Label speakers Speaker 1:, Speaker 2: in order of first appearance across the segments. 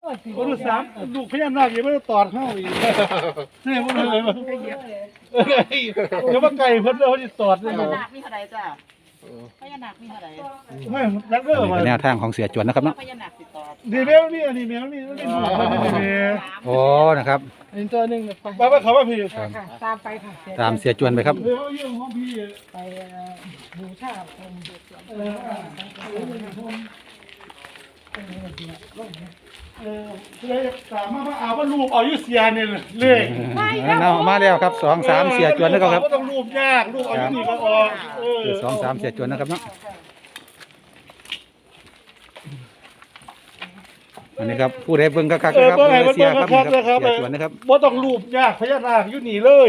Speaker 1: คนดูสามลูกพญานาคยังไม่ได้ตอดเข้าอีกเนี่ยมันเลยมาเดี๋ยวว่าไก่เพิ่นเขาจะตอดเลย
Speaker 2: พญานาคมีเท่าไหร่จ้ะพญานาคมีเท่าไหร่
Speaker 1: ไม่นักเด้อมา
Speaker 3: เป็นแนวทางของเสียจวนนะครับเนาะ
Speaker 2: พญานาคติดต่อ
Speaker 1: ดีแมวนี่อันนี้แมวนี่มันเป็นลูกมันนี่แมว
Speaker 3: โอ้นะครับ
Speaker 4: อีกตัวหนึ่งไป
Speaker 1: บ้าเขาว่าพี่
Speaker 4: ค่ะตามไปค่ะ
Speaker 3: ตามเสียจวนไปครับ
Speaker 1: เดี๋ยวเรื่องของพี่
Speaker 4: ไปบูชาองค์
Speaker 1: เลยสามารถเอาว่ารูปเอายุเสียเนี่ยเลย
Speaker 3: เอามาแล้วครับ2-3เสียจวนนะครับ
Speaker 1: ก็ต้องรูปยากรูปเอายุนี่ก็ออก
Speaker 3: คือ2-3เสียจวนนะครับเนาะอันนี้ครับผู้ใดเบิ่งกักๆนะครับเสียครับนี่ครับเสียจวนนะครับ
Speaker 1: ว่าต้องรูปยากพญานาคยุนี่เลย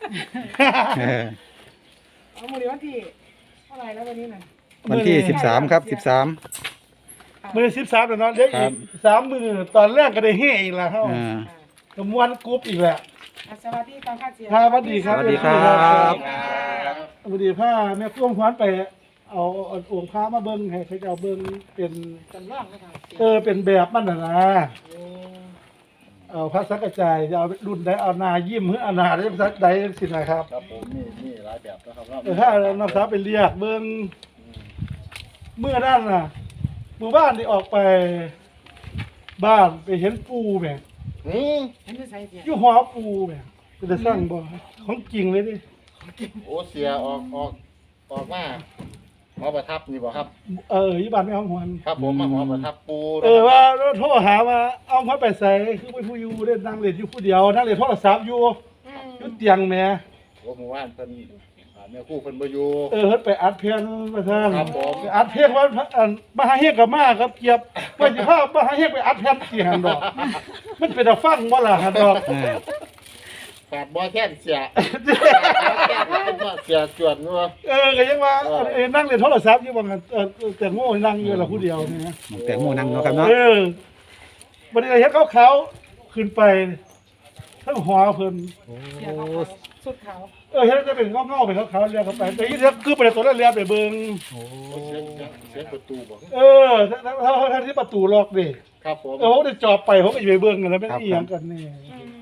Speaker 4: เอามือวันที่เท่าไหร่แล้ววันนี้น่ะ
Speaker 3: วันที่13ครับ13
Speaker 1: มือ13แล้วเนาะเด็กอีก3 มือตอนแรกก็ได้เฮอีกแล้วเฮา
Speaker 3: อ่า
Speaker 1: กับมวนกรุ๊ปอีกแหละ
Speaker 4: สวัสดีตามค่าเสีย
Speaker 1: ครับสวัสดีครับ
Speaker 3: สวัสดีครับ
Speaker 1: สวัสดีผ้าแม่พ่วงควันไปเอาองค์พระมาเบิ่งให้เขาจะเอาเบิ่งเป็น
Speaker 4: จำลองนะคะ
Speaker 1: เป็นแบบมันน่ะนะเอาพระสังกระจายจะเอารุ่นใดเอานายิ้มหรือเอานาได้สักใดสินะครับ
Speaker 5: ครับผมมีหลายแบบนะครับ
Speaker 1: ถ้าน้ำสาวไปเรียกเบิ่งเมื่อนั้นน่ะหมู่บ้านที่ออกไปบ้านไปเห็นปูแม่
Speaker 4: อันนี้ใส่เสีย
Speaker 1: อยู่หอปูแม่จะสร้างบ่ของจริงเลยดิ
Speaker 5: โอ้เสียออกมาหมอประทับนี่บ่ครับ
Speaker 1: อยู่บ้านไม่ห้องหวน
Speaker 5: ครับผมมาหมอประทับปู
Speaker 1: ว่าโทรหาว่าเอาเขาไปใส่คือไปผู้อยู่เล่นนั่งเล่นอยู่ผู้เดียวนั่งเล่นโทรศัพท์อยู่เตียงแม่
Speaker 5: โอ้หมู่บ้านเพิ่นแม่ครู่เพิ่นบ่อยู่
Speaker 1: เพิ่นไปอัดเพลงมาท่าน
Speaker 5: ครับผม
Speaker 1: ไปอัดเพลงว่ามหาเฮกกับมาครับเกียบว่าสิพามหาเฮกไปอัดเพลงสิหันดอก มันเป็นตาฟังบ่ล่ะหันดอก
Speaker 5: แปดบ่แค่นเสียเสียจวนเนาะ
Speaker 1: ก็ยังว่านั่งเล่นโทรศัพท์อยู่ว่างั้นแต่โง่นั่งอยู่ละผู้เดียวนี่นะ
Speaker 3: แตงโมนั่งเนาะครับเนาะ
Speaker 1: บัดนี้เฮ็ดเขาขึ้นไปทั้งหอเพิ่น
Speaker 4: เสียเขาสุดเขา
Speaker 1: เฮ็ดจะเป็นเงาๆเป็นขาวๆเรียกเข้าไปแต่อีเฮ็ดคือไปตัวนั้นเรียกไปเบิ่ง
Speaker 5: เสียประตูบ่
Speaker 1: ถ้าที่ประตูล็อกดิ
Speaker 5: ครับผม
Speaker 1: ผมได้จอบไปผมก็จะไปเบิ่งกันแล้วไม่ได้อีหยังกันนี่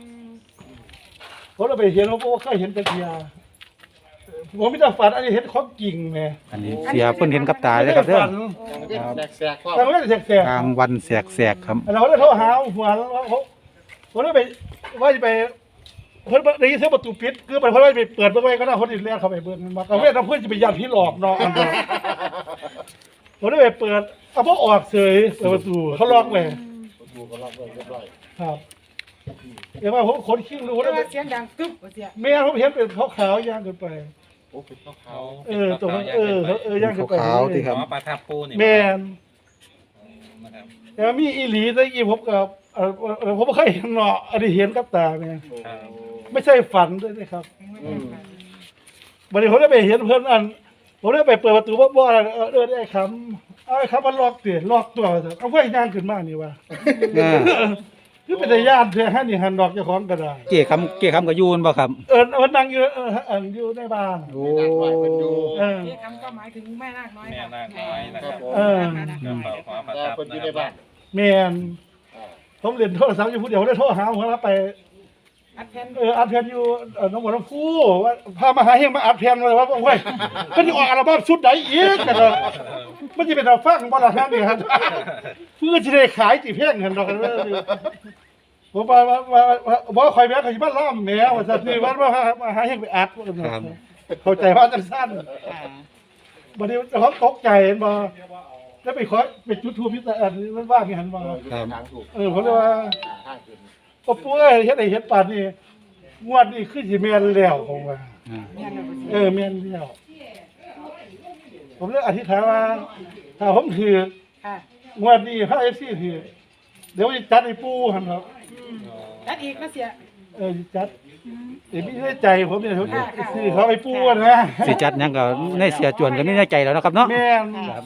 Speaker 1: ผมเราไปเห็นผมก็เคยเห็นแต่เทียผมไม่ได้ฝันอันนี้เห็นของจริงแม่
Speaker 3: อันนี้เสียเพิ่นเห็นกับตาเลยครับเด้อ
Speaker 5: แสกๆครับ
Speaker 1: แต่ไม่ได้แสก
Speaker 3: กลางวันแสกๆครับ
Speaker 1: ๆเราได้โทรหาหัวผมได้ไปว่าจะไปเพิ่นได้ยินเสียงประตูปิดคือไปเพิ่นว่าไปเปิดเบิ่งไว้ก็ได้คนอื่นเรียกเข้าไปเบิ่งมาก็เว้นเพื่อนจะไปยันพี่หลอกเนาะผมได้ไปเปิดเอาบ่ออกเฉยเปิดประตูเขาล็อกไว้
Speaker 5: ประตูก็ล็อกไว้เรียบร้อย
Speaker 1: ครับเดี๋ยวว่าผมขนคิ้วรู้
Speaker 4: เพ
Speaker 1: ได้
Speaker 4: ราะว่าเสียงดังกึ๊บเสีย
Speaker 1: แม่ผมเห็นเป็นขาวๆย่างขึ้นไป
Speaker 5: โอ้เป็นขาว
Speaker 1: ตรงนั้นย่างขึ้นไป
Speaker 3: ขาวๆที่ครับ
Speaker 6: หมอประทับปูนี่
Speaker 1: แม่น
Speaker 6: นะครับ
Speaker 1: แต่มีอีหลีตะกี้ผมกับผมบ่เคยเห็นเนาะอันนี้เห็นกับตาแม่
Speaker 6: ครับ
Speaker 1: ไม่ใช่ฝันด้วยนะครับบัดนี้ผมได้ไปเห็นเพิ่นผมได้ไปเปิดประตูบ่ได้คำเอาไอ้คำมันล็อกสิล็อกตัวเอาไว้ย่างขึ้นมานี่ว่า คือเป็นญาติเพื่อให้นี่หันดอกเจ้าของก็ได้
Speaker 3: เกี่คำกับยูนบ่ครับ
Speaker 1: มันนั่งอยู่อยู่ในบ้าน
Speaker 3: โอ้
Speaker 4: ที่คำก็หมายถึงแม่นาคน้อย
Speaker 6: แม่นาคน้อยนะครับ
Speaker 5: ๆ
Speaker 6: กระเป๋าหมอประ
Speaker 5: แต่
Speaker 6: ทับ
Speaker 5: เพิ่นอ
Speaker 6: นะ
Speaker 5: ยู่
Speaker 6: ค
Speaker 5: ใน
Speaker 6: รับ
Speaker 5: บ้าน
Speaker 1: แม่นผมเล่นโทรศัพท์อยู่ผู้เดียวได้โทรหาหัวรับไป
Speaker 4: อัดแทน
Speaker 1: อัดแผ่นอยู่น้องบัวน้ำฟูว่าพามาหาเฮงมาอัดแผ่นมาว่าโอ้ยมันจะออกอัลบั้มชุดไหนอีกกันเนาะมันจะเป็นเอาฟังบ่ล่ะฮะนี่ครับเพื่อจะได้ขายสิเพลงกันดอกกันเด้อผมว่าคอยแม่เขาสิมาล้อมแมวว่าซั่นนี่ว่ามาหาเฮงไปอัดว่ากันเนาะเข้าใจว่าจังซั่นบัดนี้เจ้าของตกใจเห็นบ่แล้วไปขอไปจุดทูปพิจารณามันว่ามีหันบ่
Speaker 5: ทางถูก
Speaker 1: ผมเลยว่า
Speaker 5: ทางขึ้น
Speaker 1: ก็ปุ้ยเฮ็ดไอ้เฮ็ดปานนี่งวดนี้คือสิแม่นแล้วผมว่า แม่นแล้วผมเลยอธิษฐานว่าถ้าผมถือ
Speaker 4: ค่ะ
Speaker 1: งวดนี้พระ FC ถือเดี๋ยวจะจัดให้ปู่หั่นครับ
Speaker 4: อัดอีกนะเสีย
Speaker 1: จัดมีในใจผมเนี่ยเขาซื้อเขาให้ปู่นะ
Speaker 3: สิจัดหยังก็ในเสียจวนก็มีในใจแล้วนะครับเนาะ
Speaker 1: แม่น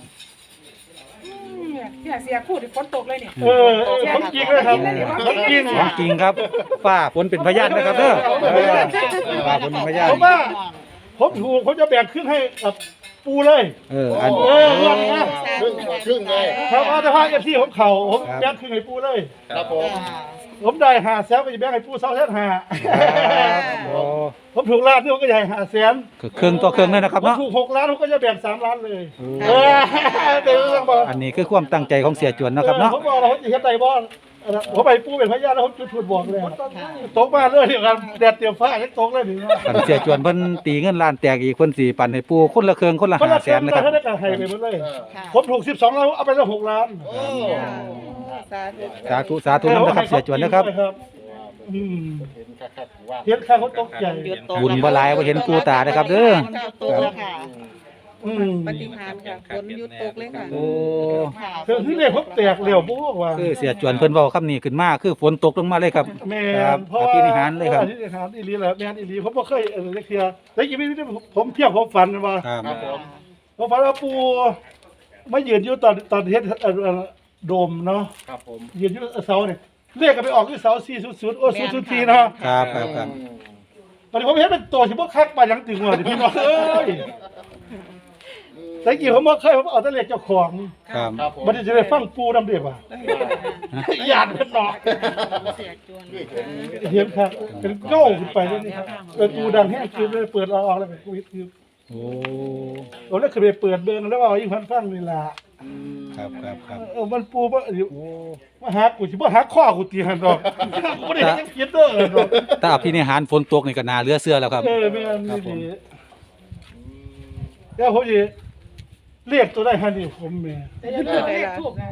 Speaker 4: เนี่ยเสียพูดฝนตกเลยเนี่ย
Speaker 1: ผมจริงเลยครับผมจริง
Speaker 3: ของจริงครับฟ้าฝนเป็นพยานนะครับเด้อฟ้าฝนเป็นพยาน
Speaker 1: ผมว่าผมถูกผมจะแบ่งครึ่งให้กับปูเลย
Speaker 3: อัน
Speaker 5: ครึ่งเลย
Speaker 1: ครับเอาแต่ว่าเอฟซีผมเข่าผมแบงค์คือไงปูเลย
Speaker 5: ครับผม
Speaker 1: ผมได้5 แสนไปแบงค์ให้ปู2,500,000
Speaker 3: โอ้
Speaker 1: ผมถูกล้านนี่ผมก็ใหญ่5 แสน
Speaker 3: คือเครื่องต่อเครื่องเลยนะครับ
Speaker 1: ผม
Speaker 3: เนาะ
Speaker 1: ถูก6 ล้านผมก็จะแบ่ง3 ล้านเลย
Speaker 3: โอ้
Speaker 1: เดี๋ยวต้องบอก
Speaker 3: อันนี้คือความตั้งใจของเสียจวนนะครับเนาะ
Speaker 1: ผมบอกเราจะเฮ็ดได้บ่ผมไปปูเป็นพยานแล้วผมจุดถูกบอกเลยตกมาเลยเดียวกันแดดเตรียมฟ้ายังตกเลยนี่
Speaker 3: อันเสียจวนเพิ่นตีเงินล้านแตกอีกเพิ่นสิปันให้ปูคนละเครื่องคนละ
Speaker 1: คนละ
Speaker 3: 5
Speaker 1: แส
Speaker 3: แส
Speaker 1: น
Speaker 3: น
Speaker 1: นะ
Speaker 3: นะ
Speaker 1: ค
Speaker 3: ค
Speaker 1: รั
Speaker 3: รั
Speaker 1: บบ ได้การให้ไปหมดเลย
Speaker 2: ค่ะ
Speaker 1: ผมถูก12 ล้านเอาไปแล้ว6 ล้าน
Speaker 5: โอ้
Speaker 3: สาธุนำนะครับเสียจวนนะครับ
Speaker 1: อืม
Speaker 5: เห็นคักๆว่า
Speaker 1: เห็นข้าเขาตกใจ
Speaker 3: บุญบ่หลายบ่เห็นปูตานะครับเด้อ
Speaker 2: ตกแล้วค่ะ
Speaker 1: อืม
Speaker 7: ปฏิหารย์ค่ะฝนหยุดตกเลยค่ะ
Speaker 3: โอ้
Speaker 1: คือที่เนี่ยผมแตกเหลวบ่ว่า
Speaker 3: คือเสียจวนเพิ่นเว้าคำนี้ขึ้นมาคือฝนตกลงมาเลยครับ
Speaker 1: แม่
Speaker 3: ครับ
Speaker 1: เพราะว่า
Speaker 3: อภินิหารเลยครับ
Speaker 1: อภินิหารอีหลีแหละแม่นอีหลีผมบ่เคยเรียกเทียแต่อีกไม่ได้ผมเที่ยวผมฝันว่า
Speaker 3: ครับ
Speaker 5: ครับผม
Speaker 1: ผมฝันว่าปู่มายืนอยู่ตอนเฮ็ดโดมเนาะ
Speaker 5: ครับผม
Speaker 1: ยืนอยู่เสาเนี่ยเลขก็ไปออกที่เสา400โอ้004เนาะ
Speaker 3: ครับครับครับ
Speaker 1: ตอนนี้ผมเห็นเป็นตัวที่บ่คักปานหยังถึงว่าพี่น้องเอ้ยแต่กี้ผมบ่เคยผมเอาแต่เลขเจ้าของ
Speaker 3: ครับ
Speaker 5: ครับผม
Speaker 1: บัดนี้จะได้ฟังปู่นำเด้ว่าญาติเพิ่นเนาะ
Speaker 7: เสียจวน
Speaker 1: เห็นครับเป็นเก้าขึ้นไปเลยนี่ครับเป็นปูดังแห้งคือเลยเปิดเราออกแล้วเป็นกูคือ
Speaker 3: โอ้
Speaker 1: ผมแล้วคือไปเปิดเบิ่งแล้วว่าอีกพันฟังนี่ล่ะ
Speaker 3: ครับครับครับ
Speaker 1: มันปูบ่อยู่มาหากูสิบ่หาข้อกูตีหั่นดอกบ่ได้จังคิดเด้อดอก
Speaker 3: ถ้าอภินิหารฝนตกนี่ก็น่าเหลือเชื่อแล้วครับ
Speaker 1: แม่นนี่ดีแล้วผมสิเรียกตัวได้หั่นนี่ผมแม่
Speaker 4: แต่อยังเลขทูบนะ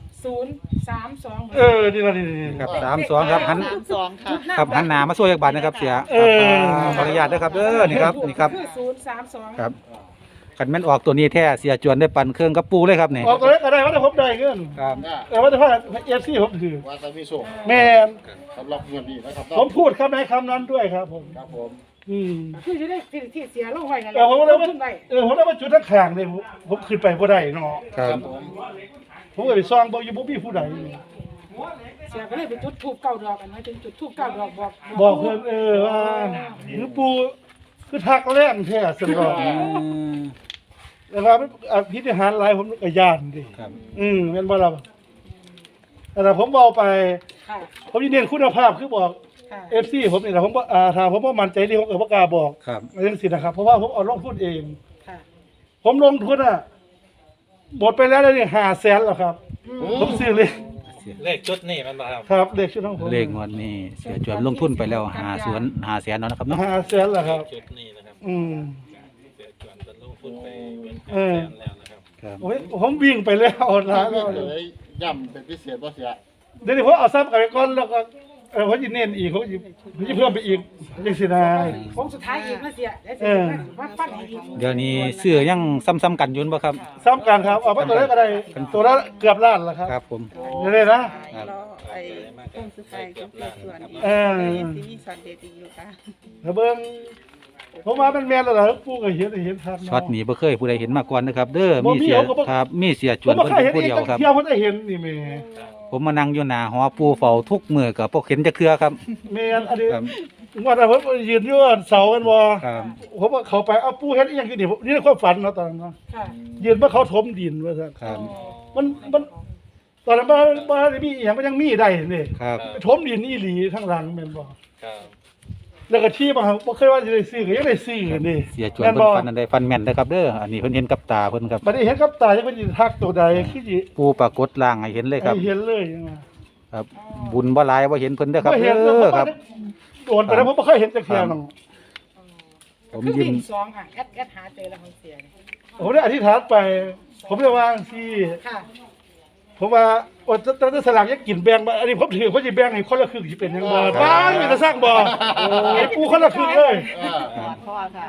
Speaker 4: 032
Speaker 1: นี่ล่ะนี่
Speaker 3: ครับ32ครับหัน
Speaker 2: 32ค่ะ
Speaker 3: ครับหันหน้ามาช่วยจักบาทนะครับเสีย
Speaker 1: เออ
Speaker 3: ขออนุญาตนะครับเด้อนี่ครับนี่ครับ
Speaker 4: คือ032
Speaker 3: ครับคันแม่นออกตัวนี้แท้เสียจวนได้ปั่นเครื่องกับปูเลยครับนี่
Speaker 1: ออกตัวเลขก็ได้ว่าแต่ผมได้เงิน
Speaker 3: ครับ
Speaker 1: แต่ว่าแต่ว่า FC ผมถือ
Speaker 5: ว่าจะมีโชค
Speaker 1: แม่น
Speaker 5: สำหรับเงินดีนะครับ
Speaker 1: ผมพูดคำไหนคำนั้นด้วยครับผม
Speaker 5: ครับผม
Speaker 4: คือจะได้ที่เสียลงไว้นั่นแห
Speaker 1: เออผมเลย
Speaker 4: ล
Speaker 1: ว่าง
Speaker 4: ทุนไว้
Speaker 1: ผมเลยว่าจุดทั้งข้างเลยผมขึ้นไปบ่ได้เนาะ
Speaker 3: ครับ
Speaker 5: ผม
Speaker 1: ผมก็ไปซ่องบ่อยู่บ่มีผู้ใด
Speaker 4: เสียก็เลยไปจุดทูบเก้าดอกกันไว้ถึงจุดทูบเก้าดอกบอก
Speaker 1: บอกเพิ่นว่าหรือปู่คือทักแรงแท้ซั่นบ่
Speaker 3: อืม
Speaker 1: แล้วว่ามันอภินิหารหลายผมก็ย่านดิ
Speaker 3: ครับ
Speaker 1: แม่นบ่ล่ะแต่ผมเว้าไป
Speaker 4: ค่ะ
Speaker 1: ผมสิเน้นคุณภาพคือบอก
Speaker 4: ค่ะ
Speaker 1: FC ผมนี่แหละผมบ่ถ้าผมบ่มั่นใจนี่ผมก็บ่กล้าบอก
Speaker 3: ครับ
Speaker 1: จังซี่นะครับเพราะว่าผมเอาลงทุนเอง
Speaker 4: ค่ะ
Speaker 1: ผมลงทุนหมดไปแล้วนี่500,000แล้วครับ ผมซื้อเลย
Speaker 6: เลขชุดนี่มันบ่ครับ
Speaker 1: ครับเลขชุดของผม
Speaker 3: เลขงวดนี้เสียจวนลงทุนไปแล้ว5แสนเนาะนะครับเนาะ
Speaker 1: 500,000แล้วครับ
Speaker 6: ชุดนี้นะครับ เสียจวนจะลงทุนไปเป็นแสนแล้วนะครับ
Speaker 3: ครับ
Speaker 1: ผมวิ่งไปแล้วนะแล้ว
Speaker 5: เลยย่ำเป็นพิเศษว่าเสีย
Speaker 1: เดี๋ยวนี้ผมเอาซับกลับไปก่อนแล้วก็ผมจะเน้นอีกผมจะเพิ่มไปอีกจังสินะ
Speaker 4: ผมสุดท้ายอีกนะเสียได้เสียว่าฟันอีก
Speaker 3: เดี๋ยวนี้เสื้อยังซ้ำๆกันอยุ่นบ่ครับ
Speaker 1: ซ้ำกันครับเอาไปตัวแรกก็ได้ตัวละเกือบล้านแล้วครับ
Speaker 3: ครับผม
Speaker 1: เดี๋ยวนี้นะ
Speaker 7: รอไอ้ต้นสุดท้ายของเสียจวนอีก
Speaker 1: เออ
Speaker 7: ยังสิมีช็อตเด็ดอีกอยู่ค่ะ
Speaker 1: แล้วเบิ่งผมว่ามันแม่นแล้วล่ะปู่ก็เห็นครับ
Speaker 3: ช็อตนี้บ่เคยผู้ใดเห็นมาก่อนนะครับ เด้อ
Speaker 1: บ่
Speaker 3: มี
Speaker 1: มี
Speaker 3: เสีย
Speaker 1: ผมก็บ่
Speaker 3: ครับมีเสียจ
Speaker 1: ผ
Speaker 3: ว
Speaker 1: ม
Speaker 3: น
Speaker 1: บ่
Speaker 3: เพิ่น
Speaker 1: เคย
Speaker 3: เป็น
Speaker 1: เห็น
Speaker 3: ผู้เดียวครับ
Speaker 1: เที่ยวผมได้เห็นนี่แม่
Speaker 3: ผมมานั่งอยู่หน้าหอปูเฝ้าทุกมื้อก็บ่เห็นจักเทื่อครับ
Speaker 1: แม่นอันนี้
Speaker 3: ครับ
Speaker 1: ว่าแต่ผมยืนอยู่เสากันบ่
Speaker 3: ครับ
Speaker 1: ผมว่าเขาไปเอาปู่เฮ็ดอีหยังคือนี่นี่ในความฝันเนาะตอนนั้นเนาะ
Speaker 4: ค่ะ
Speaker 1: ยืนว่าเขาถมดินว่าซั่น
Speaker 3: ครับ
Speaker 1: มันตอนนั้นบ้านมีอหย่างมันยังมีได้นี่
Speaker 3: ครับ
Speaker 1: ถมดินอีหลีข้างหลังแม่นบ่
Speaker 6: ครับ
Speaker 1: แล้วก็ที่บางบ่เคยว่าจะได้ซื้อก็ยังได้ซื้อนี่
Speaker 3: เสียจวน
Speaker 1: แม่น
Speaker 3: เพิ่
Speaker 1: บ่
Speaker 3: นฟันอันใดฟันแม่นนะครับเด้ออันนี้เพิ่นเห็นกับตาเพิ่นครับ
Speaker 1: บัดนี้เห็นกับตาจะเพิ่นสิทักตัวใดคือสิ
Speaker 3: ปูปรากฏร่างให้เห็นเลยครับ
Speaker 1: ให้เห็นเลยจังว่า
Speaker 3: ครับ บุญบ่หลายบ่เห็นเพิ่นเด้อครับ
Speaker 1: บ่
Speaker 3: เด้
Speaker 1: เห็น
Speaker 3: อครับ
Speaker 1: โดนไปแล้วผมบ่เคยเห็นจักเที่ยนึง
Speaker 3: ผม
Speaker 4: คือ
Speaker 3: ยิ้
Speaker 4: วิ่
Speaker 3: ม
Speaker 4: งสองค่ะแอดหาเจอแล้วของเสีย
Speaker 1: ผมได้อธิษฐานไป ผมได้วางที่
Speaker 4: ค่ะ
Speaker 1: ผมว่าโอ้จะสลากยังกินแบ่งบ่อันนี้ผมถือผมสิแบ่งให้คนละครึ่งสิเป็นจังบ่บ้านมีแต่สร้างบ่ให้กูคนละครึ่งเลย
Speaker 2: พ่อค่ะ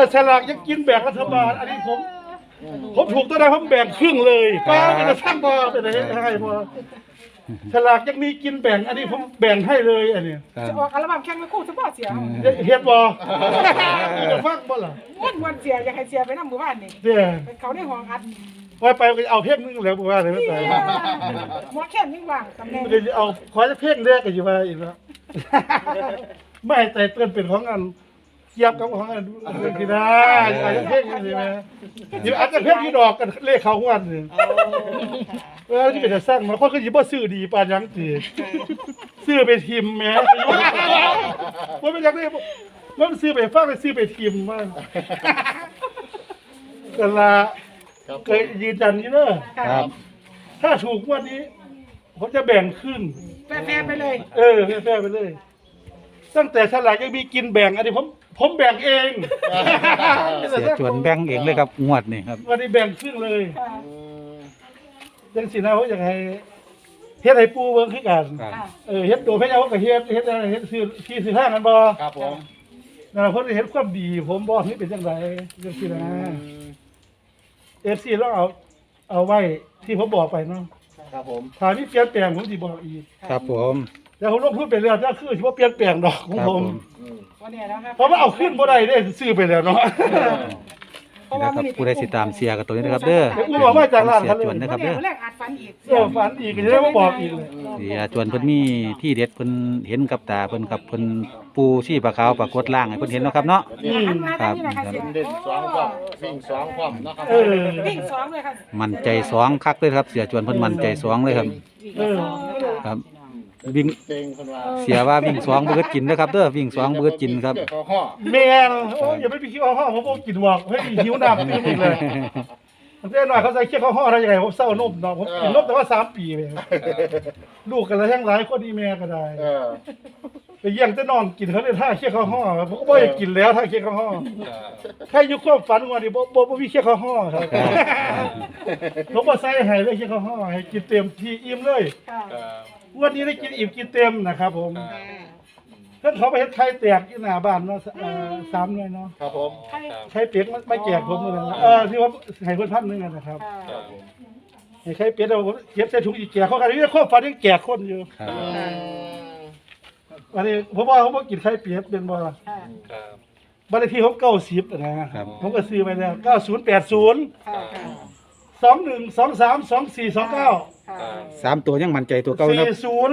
Speaker 1: สลากยังกินแบ่งรัฐบาล อันนี้ผมถูกตัวใดผมแบ่งครึ่งเลยป้าเป็นสร้างบ่เป็นอะไรให้บ่สลากยังมีกินแบ่ง อันนี้ผมแบ่งให้เลยอันนี้
Speaker 3: ครับ
Speaker 4: จะออกอัลบั้มแข่งไม่คู่เฉพาะเสีย
Speaker 1: เฮ็ดบ่จะฟังบ่ล่ะ
Speaker 4: วันเสียอยากให้เสียไปนั่งหมู่บ้านนี่
Speaker 1: เด้อ
Speaker 4: ไปเขาในห้องอัด
Speaker 1: ว่าไปก็เอาเพลงนึงแล้วบ่ว่าเลยไม่ไป
Speaker 4: หมอแค่นิ่งว่างตำแหน่ง
Speaker 1: เดี๋ยวเอาขอจะเพลงแรกก็สิว่าอีกแล้วไม่แต่เตือนเป็นของอันเกียบกับของอันที่ได้อาจจะเพ่งกันใช่ไหมนี่อาจจะเพ่งที่ดอกกันเลขเขาวันนึง ที่เป็นจะสร้างมาคนก็ยิบว่าซื้อดีปานยังตีซื้อไปทิมแม่ว่าเป็นยังไงว่าซื้อไปฟังไปซื้อไปทิมบ้างกันละเคยยืนยันนี่เนอะ
Speaker 3: ครับ
Speaker 1: ถ้าถูกวันนี้ผมจะแบ่งครึ่ง
Speaker 4: แฟร์ไปเลย
Speaker 1: แฟ่ไปเลย ตั้งแต่ฉลากยังมีกินแบ่งอันนี้ผมแบ่งเอง
Speaker 3: เสียจวนแบ่งเองเลยครับงวดนี่ครับ
Speaker 1: วันนี้แบ่งครึ่งเลยยังสินะเขาอยากให้เฮ็ดให้ปูเบิ่งคือกัน
Speaker 3: ครับ
Speaker 1: เฮ็ดตัวพระเจ้าก็เฮ็ดอะไรเฮ็ดซื้อที่ซื้อห้างกันบ่
Speaker 5: ครับผม
Speaker 1: นั่นล่ะเพิ่นเฮ็ดความดีผมบ่นี่เป็นจังไดจังซี่นะ FC ลองเอาไว้ที่ผมบอกไปเนาะ
Speaker 5: ครับผม
Speaker 1: ถ้ามีเปลี่ยนแปลงผมสิบอกอีก
Speaker 3: ครับผม
Speaker 1: แต่ผมลงทุนไปแล้วถ้าคือสิบ่เปลี่ยนแปลงดอกของ
Speaker 3: ครับ
Speaker 1: ผ
Speaker 3: ผม ม
Speaker 4: วันนี้แล้วครับ
Speaker 1: เพราะว่าเอาขึ้นบ่ได้เด้ซื้อไปแล้วเนาะ
Speaker 3: นะครับผู้ใดสิตามเสียกับตัวนี้นะครับเด้อ
Speaker 1: เดี๋ยวอุ้ยบอกมาจากร้าน
Speaker 3: เสี
Speaker 1: คั
Speaker 3: ย
Speaker 1: นเลย
Speaker 3: จวนนะครับเด้อ
Speaker 4: แรกอาจฝันอีก
Speaker 1: ฝันอีกก็จะได้มาบอกอีกเลย
Speaker 3: เสียจวนเพิ่นมีที่เด็ดเพิ่นเห็นกับตาเพิ่นกับเพิ่นปูชีปลาขาวปรากฏล่างให้เพิ่นเห็นเนาะครับเนาะ
Speaker 4: หันมาทางนี้นะคะเสีย
Speaker 5: เด่นสองความวิ่งสองความเนาะครับ
Speaker 4: วิ่งสองเลยค่ะ
Speaker 3: มั่นใจสองคักเลยครับเสียจวนเพิ่นมั่นใจสองเลยครับ
Speaker 1: เออ
Speaker 3: ครับวิ่ง
Speaker 5: เก่งคนว่า
Speaker 3: เสียว่าวิ่งสองเบิดกินนะครับเด้อวิ่งสองเบิดกินครับ
Speaker 5: เขาห่อ
Speaker 1: แม่นโอ้ยอย่าไปคิดว่าผมบ่กินหรอกเฮ้ยหิวน้ำกินอีกเลยมันได้หน่อยเขาใส่เคี้ยวข้าวห่อได้ยังไงผมเศร้านมเนาะผมกินนมแต่ว่า3 ปีเลยลูกกันแล้วแห้งหลายคนดีแม่ก็ได้ ไปเยี่ยงแต่นอนกินเขาเลยท่าเคี้ยวข้าวห่อผมก็บ่อยากกินแล้วท่าเคี้ยวข้าวห่อใครอยู่ความฝันว่าดิบ่มีเคี้ยวข้าวห่อครับผมบ่ใส่ให้เลยเคี้ยวข้าวห่อให้กินเต็มที่อิ่มเลย
Speaker 4: ค่ะ
Speaker 1: วันนี้ได้กินอิ่มกินเต็มนะครับผมเพิ่นเขาไปเฮ็ดไข่แตกที่หน้าบ้านเนาะ3หน่วยเนาะ
Speaker 5: ครับผม
Speaker 4: ใคร
Speaker 1: ไข่เป็ดมันไม่แจกผมมื้อนั้นนะที่ว่าให้เพิ่น1,000นึงอะนะครับ
Speaker 4: ค่ะ
Speaker 1: ให้ไข่เป็ดเอาผมเก็บใส่ถุงอีกแจกเขากันนี่ข้อฝันยังแจกคนอยู่
Speaker 3: ครับ
Speaker 1: อันนี้ผมว่าผมบ่กินไข่เป็ดเป็นบ่ล่ะ
Speaker 4: ค่ะ
Speaker 6: ครับ
Speaker 1: บ้านเลขที่ผม90นะครับผมก็ซื้อไปแล้ว9080
Speaker 4: ค่ะ
Speaker 1: 21232429
Speaker 4: ค่ะ
Speaker 3: สามตัวยังมั่นใจตัวเก่านะครับ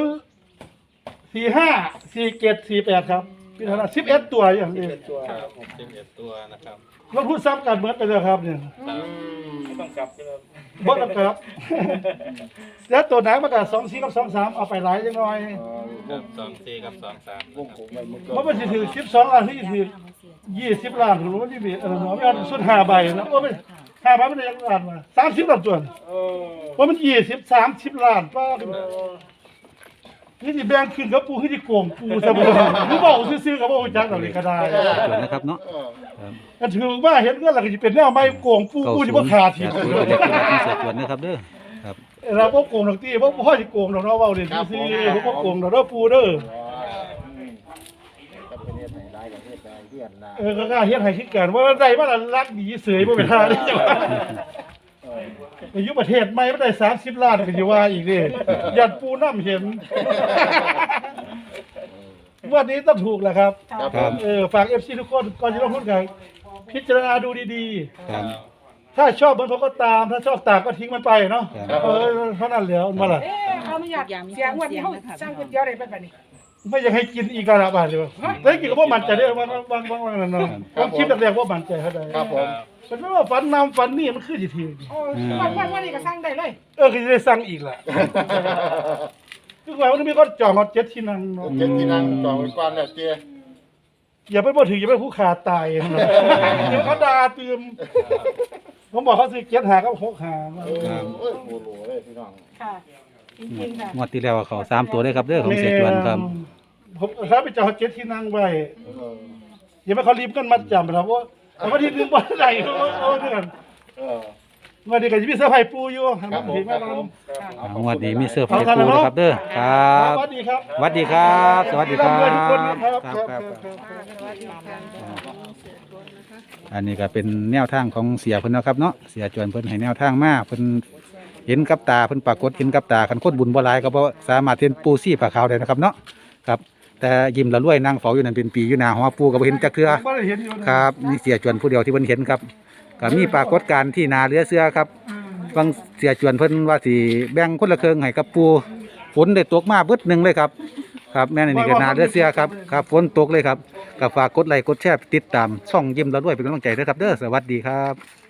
Speaker 1: 40454748ครับพี่ธนา11ตัวอย่างนี้
Speaker 6: ครับ11ตัวนะครับ
Speaker 1: ลงทุนซ้ำกันเหมือนไปแล้วครับเนี่ย
Speaker 6: ต้องกลับใช่ไหม
Speaker 1: บ่ต้องครับ แล้วตัวไหนมันก็24กับ23เอาไปหลายจังหน่อย
Speaker 6: ครับ24กับ23
Speaker 5: วงผมไปมือ
Speaker 1: เพราะมันสิถือ12ล้านที่ถือ20ล้านหรือว่าที่มีเนาะไม่เอาสุด5ใบนะโอ้ไม่5ใบมันได้ยังล้านมา30ล้านตัวเพราะมัน20 30ล้านป้านี่สิแบ่งขึ้นกับปูคือสิโกงปูซะบ่คือเว้าซื่อๆก็บ่รู้จักดอกนี่ก็ได้
Speaker 3: จวนนะครับเนาะ
Speaker 1: ก็ถือว่าเห็นเงินแล้วก็สิเป็นแนวไม่โกงปูปูสิบ่ขาดที
Speaker 3: เสียจวนเล็กที่รักที่เสียจวนนะครับเด้อครับ
Speaker 1: เราบ่โกงดอกติบ่พอสิโกงดอกเนาะเว้าเล่นซื่อๆบ่โกงดอกเด้อปูเด้อ
Speaker 5: กับประเทศไหนร้ายกับประเทศใดเฮียนนะ
Speaker 1: ก็กล้าเฮ็ดให้คือกันว่าได้มาละรักดีเสยบ่เป็นท่าเด้จังว่าไปอยู่ประเทศใหม่บ่ได้30ล้านก็สิว่าอีกเด้ยันปูน้ำเห็นวันนี้ต้องถูกแหละครับ
Speaker 3: ครับ
Speaker 1: ฝาก FC ทุกคนก่อนจะลงทุนกันพิจารณาดูดี
Speaker 3: ครับ
Speaker 1: ๆ ถ้าชอบมันผมก็ตาม ถ้าชอบตามก็ทิ้งมันไปเนาะ
Speaker 3: ครับ
Speaker 1: เท่านั้นแล้วมาล่ะ
Speaker 4: เขาไม่อยากเสียงวันนี้เขาสร้างก๋วยเตี๋ยวอะไรแบบนี้
Speaker 1: ไม่อยากให้กินอีกแล้วบาดเดียวได้กินก็บ่มั่นใจได้บางนั่นเนาะผมคิดแรกๆว่ามั่นใจเท่าใด
Speaker 5: ครับผม
Speaker 1: มันไม่ว่าฝันนำฝันนี่มันคือสิที
Speaker 4: โอ้วันนี้ก็สร้างได้เลย
Speaker 1: ก็จะได้สั่งอีกล่ะคือว่ามันมีคนจองฮอต7ที่นั่งเนาะ
Speaker 5: เจ็ดที่นั่งต่อไปก่อนเนี่ยเจ๊
Speaker 1: อย่าไปบ่ถืออย่าไปผู้ขาตายเนาะเดี๋ยวเขาด่าตืมผมบอกเขาซื้อ7หากับ6หา
Speaker 5: โอ้ยโหโหเลยพี่น้อง
Speaker 4: ค่ะจริงๆค่ะ
Speaker 3: งวดที่แล้วเขาสามตัวเลยครับเด้อของเสียจวนครับ
Speaker 1: ผมถ้าไปจองฮอต7ที่นั่งไว้อย่าไปเขารีบกันมาจำนะครับว่าเอามาที่นึงบ่ได้เอาเดือนวันนี้ก็จะมีเสื้อร์ไผ่ปูอยู่
Speaker 5: ครับผม
Speaker 1: เห็นไหม
Speaker 5: ครับ
Speaker 1: ค
Speaker 5: ผ
Speaker 1: รับ
Speaker 5: ม
Speaker 3: งวดนี้มีเสื้อไฟปูนะครับเด้อครับ
Speaker 1: สวัสดีครับ
Speaker 3: สวัสดีครับ สวัสดีครับ
Speaker 1: ร่ำรวยทุกคนนะครับ
Speaker 3: ครับ
Speaker 7: สวัสดีค่ะ
Speaker 3: อันนี้ก็เป็นแนวทางของเสียเพิ่นนะครับเนาะเสียจวนเพิ่นให้แนวทางมาเพิ่นเห็นกับตาเพิ่นปรากฏเห็นกับตาคันคนบุญบ่หลายก็บ่สามารถเห็นปูซี่ปลาขาวได้นะครับเนาะครับแต่ยิ้มละรวยนั่งเฝ้าอยู่นั่นเป็นปีอยู่หน้าหัวปูก็บ่เห็นจักเทื่อ
Speaker 1: ไม่ได้เห็นอยู่นะครับ
Speaker 3: มีเสียจวนผู้เดียวที่เพิ่นเห็นครับก็มีปรากฏการณ์ที่นาเรือเสือครับบางเสียจวนเพิ่นว่าสิแบ่งคนละครึ่งให้กับปูฝนได้ตกมาเบิดหนึงเลยครับครับแม่นอันนี่ก็น่าเลือเสียครับครับฝนตกเลยครับก็ฝากกดไลค์กดแชร์ติดตามช่องยิ้มแล้วด้วยเป็นกำลังใจด้วยครับเด้อสวัสดีครับ